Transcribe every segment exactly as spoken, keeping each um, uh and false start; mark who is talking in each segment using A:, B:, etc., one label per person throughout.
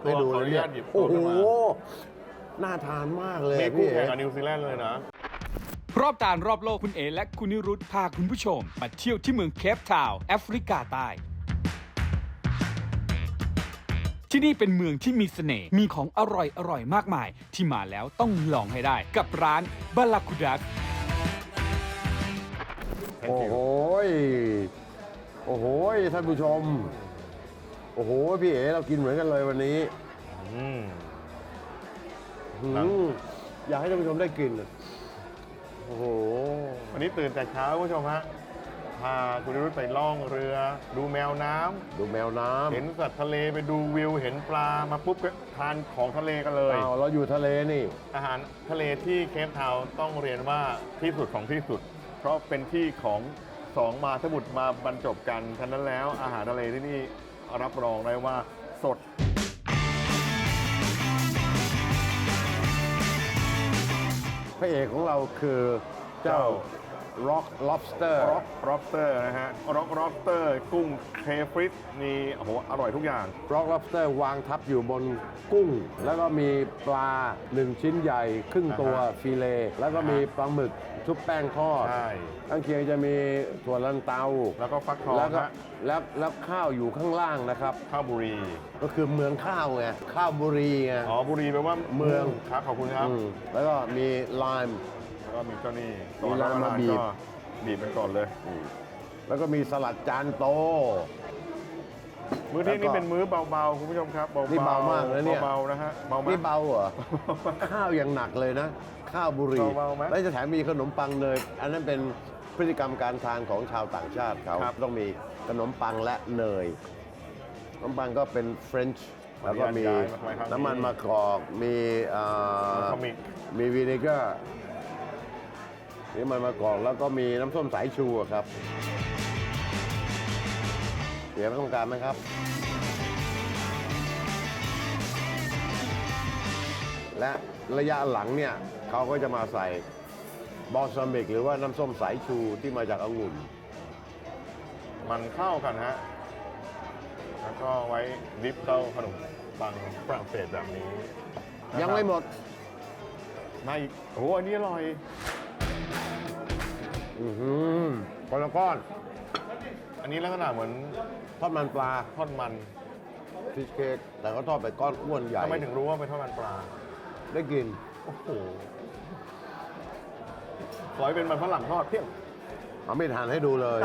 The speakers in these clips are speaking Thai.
A: ให้ดูเลยเนี่ยโอ้โหน่าทานมากเลยพี่
B: คู่แข่งกับนิวซีแลนด์เลยนะ
C: รอบการรอบโลกคุณเอและคุณนิรุธพาคุณผู้ชมมาเที่ยวที่เมืองเคปทาวน์แอฟริกาใต้ที่นี่เป็นเมืองที่มีเสน่ห์มีของอร่อยอร่อยมากมายที่มาแล้วต้องลองให้ได้กับร้านบาลาคูดัก
A: โอ้โหโอ้โหท่านผู้ชมโอ้โหพี่เอ๋เรากินเหมือนกันเลยวันนี้อืมอยากให้ท่านผู้ชมได้กินโอ้โห
B: วันนี้ตื่นแต่เช้าคุณผู้ชมฮะพาคุณนิรุธไปล่องเรือดูแมวน้ำ
A: ดูแมวน้ำ
B: เห็นสัตว์ทะเลไปดูวิวเห็นปลามาปุ๊บก็ทานของทะเลกันเลย
A: อ้าวเราอยู่ทะเลนี่
B: อาหารทะเลที่เคปทาวน์ต้องเรียนว่าที่สุดของที่สุดเพราะเป็นที่ของสองมาสมุทรมาบรรจบกันฉะนั้นแล้วอาหารทะเลที่นี่รับรองได้ว่าสด
A: พระเอกของเราคือเจ้า Rock Lobster
B: Rock Lobster นะฮะ Rock Lobster กุ้งเคฟริสมีโอ้โหอร่อยทุกอย่าง
A: Rock Lobster วางทับอยู่บนกุ้งแล้วก็มีปลาหนึ่งชิ้นใหญ่ครึ่งตัวฟิเลแล้วก็มีปลาหมึกชุบแป้งทอดข้างเคียงจะมีถั่วลันเตา
B: แล้วก็ฟักทอง
A: แล้วก็แล้วแล้วข้าวอยู่ข้างล่างนะครับ
B: ข้าวบุรี
A: ก็คือเมืองข้าวไงข้าวบุรีไง
B: อ๋อบุรีแปลว่า
A: เมือง
B: ครับขอบคุณครับ
A: แล้วก็มีไลม์
B: แล้วก็มีเจ้านี่
A: มีไลม์มาบีบ
B: บีบเป็นก่อนเลย
A: แล้วก็มีสลัดจานโต
B: มื้อที่นี่เป็นมื้อเบาๆคุณผู้ชมครับเบาๆ
A: นี่เบามากเลยเนี่ย
B: เบาๆนะฮะเบา
A: นี่เบาเหรอข้าวอย่างหนักเลยนะข้าวบุรีแล้วจะแถมมีขนมปังเนยอันนั้นเป็นพฤติกรรมการทานของชาวต่างชาติเขาต้องมีขนมปังและเนยขนมปังก็เป็นเฟรนช์แล้วก็มีน้ำมันมะกอกมีมีวินิเกอร์นี่มันมะกอกแล้วก็มีน้ำส้มสายชูครับเดี๋ยวต้องการไหมครับและระยะหลังเนี่ยเขาก็จะมาใส่บอลซามิกหรือว่าน้ำส้มสายชูที่มาจากองุ่น
B: มันเข้ากันฮะแล้วก็ไว้ดิฟเข้าขนมปังฝรั่งเศสแบบนี้
A: ยังไม่หมด
B: มาอีกโอ้โหอันนี้อร่อย
A: อือหือคนละก้อน
B: อันนี้ลักษณะเหมือน
A: ทอดมันปลา
B: ทอดมัน
A: ฟิชเค้กแต่ก็ทอดไปก้อนอ้วนใหญ่
B: ทำไมถึงรู้ว่าเป็นทอดมันปลา
A: ได้กิน
B: โอ้โหร้อยเป็นมันฝรั่งทอดเพี้ยง
A: เอาไม่ทานให้ดูเลย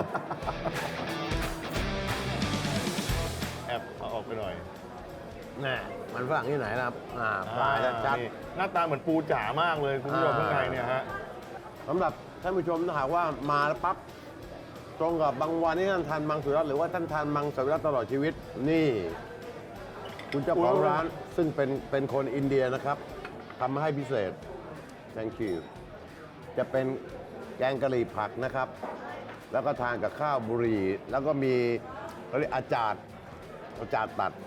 B: แอบเอาออกไปหน่อย
A: น่มันฝรั่งที่ไหนนะครับอ่าปลาชัด
B: หน้าตาเหมือนปูจ๋ามากเลยคุณผู้ชมข้างในเนี่ยฮะ
A: สำหรับท่านผู้ชมถ้าหากว่ามาแล้วปั๊บตรงกับบางวันที่ท่านทานมังสวิรัติหรือว่าท่านทานมังสวิรัติตลอดชีวิตนี่คุณเจ้าของร้านซึ่งเป็นเป็นคนอินเดียนะครับทำมาให้พิเศษ thank you จะเป็นแกงกะหรี่ผักนะครับแล้วก็ทานกับข้าวบุหรี่แล้วก็มีเขาเรียกอาจารย์อาจารย์ตัด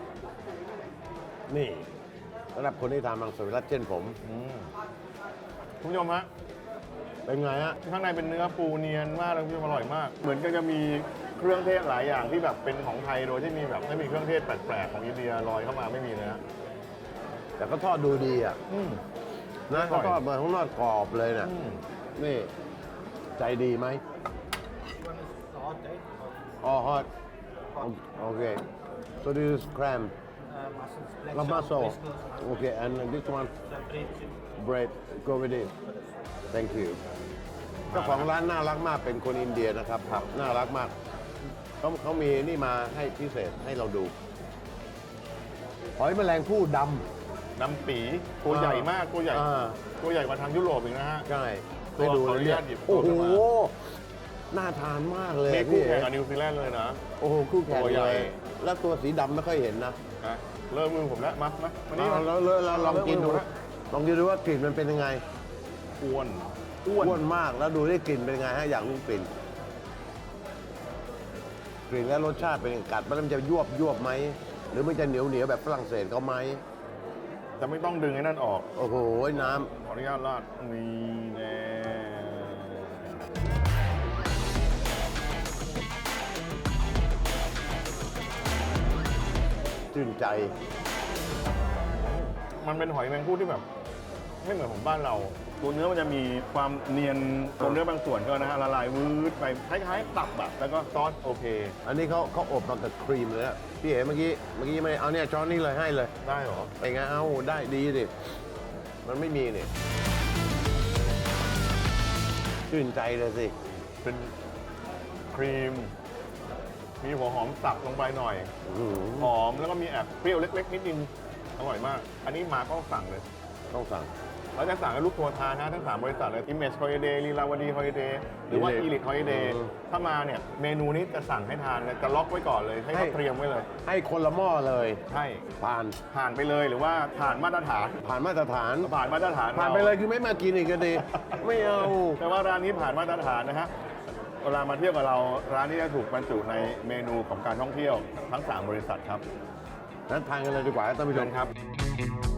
A: นี่สำหรับคนที่ทานมังสวิรัติเช่นผม
B: คุณผู้ชมฮะ
A: เป็นไงฮะ
B: ข้างในเป็นเนื้อปูเนียนมากเลยคุณผู้ชมอร่อยมากเหมือนกันจะมีเครื่องเทศหลายอย่างที่แบบเป็นของไทยโดยที่มีแบบไม่มีเครื่องเทศแปลกๆของอินเดียลอยเข้ามาไม่มีเลยนะ
A: แต่ก็ทอดดูดีอ่ะนะเขาทอดมาข้างนอกกรอบเลยนะนี่ใจดีไหมอ๋อฮอตโอเค so this is cram la maso okay and this one bread go with it thank you เจ้าของร้านน่ารักมากเป็นคนอินเดียนะครับครับน่ารักมากเขาเขามีนี่มาให้พิเศษให้เราดูหอยแมลงภู่ดำ
B: ดำปีตัวใหญ่มากตัวใหญ่ตัวใหญ่กว่าทางยุโรปอีกนะฮะ
A: ใช่ไปดูเลยเนี่ยโอ้โหน่าทานมากเลย
B: คู่แข่งกับนิวซีแลนด์เลยนะ
A: โอ้โหคู่แข่งเลยแล้วตัวสีดำไม่ค่อยเห็นนะ
B: เริ่มมือผมแล้วมามาวันนี้
A: เราเราลองกินดูลองกินดูว่ากลิ่นมันเป็นยังไง
B: อ้วน
A: อ้วนมากแล้วดูได้กลิ่นเป็นไงฮะอยากรู้กลิ่นกลิ่นและรสชาติเป็นกัดมันจะยวบยวบไหมหรือมันจะเหนียวเหนียวแบบฝรั่งเศสเขาไหม
B: จะไม่ต้องดึงไอ้นั่นออก
A: โอ้โหน้ำ
B: ขออนุญาตราดนี่แน่
A: ชื่นใจ
B: มันเป็นหอยแมงผู้ที่แบบไม่เหมือนของบ้านเรา ตัวเนื้อมันจะมีความเนียนตัวเนื้อบางส่วนก็นะฮะละลายวืดไปคล้ายๆตับอะแล้วก็ซอสโอเค
A: อันนี้เขาเขาอบมากับครีมเลยอะพี่เอ๋เมื่อกี้เมื่อกี้ไม่ได้เอาเนี่ยช้อนนี้เลยให้เลย
B: ได้เหรอ
A: ไปไงเอาได้ดีดิมันไม่มีนี่ชื่นใจเลยสิ
B: เป็นครีม มีหัวหอมสับลงไปหน่อย
A: อื้อหือ
B: หอมแล้วก็มีแอบเปรี้ยวเล็กๆนิดนึงอร่อยมาก อันนี้มาก็สั่งเลย
A: ต้องสั่ง
B: เราจะสั่งให้ลูกทัวร์ทานนะทั้งสามบริษัทเลย Image Holiday ลีลาวดี Holiday หรือว่า
A: Elite
B: Elite Holiday
A: อืม
B: ถ้ามาเนี่ยเมนูนี้จะสั่งให้ทานเลยจะล็อกไว้ก่อนเลย ให้
A: ให้
B: เขาเตรียมไว้เลย
A: ให้คนละหม้อเลย
B: ใช่
A: ผ่าน
B: ผ่านไปเลยหรือว่าผ่านมาตรฐาน
A: ผ่านมาตรฐาน
B: ผ่านมาตรฐาน
A: ผ่าน
B: ร
A: ไปเลยคือไม่มากินอีกก็ดี ไม่เอา
B: แต่ว่าร้านนี้ผ่านมาตรฐานนะฮะเวลามาเที่ยวกับเราร้านนี้จะถูกบรรจุในเมนูของการท่องเที่ยวทั้งสามบริษัทครับ
A: นั้นทานกันเลยดีกว่าท่านผู้ช
B: เชิ
A: ม
B: ญครับ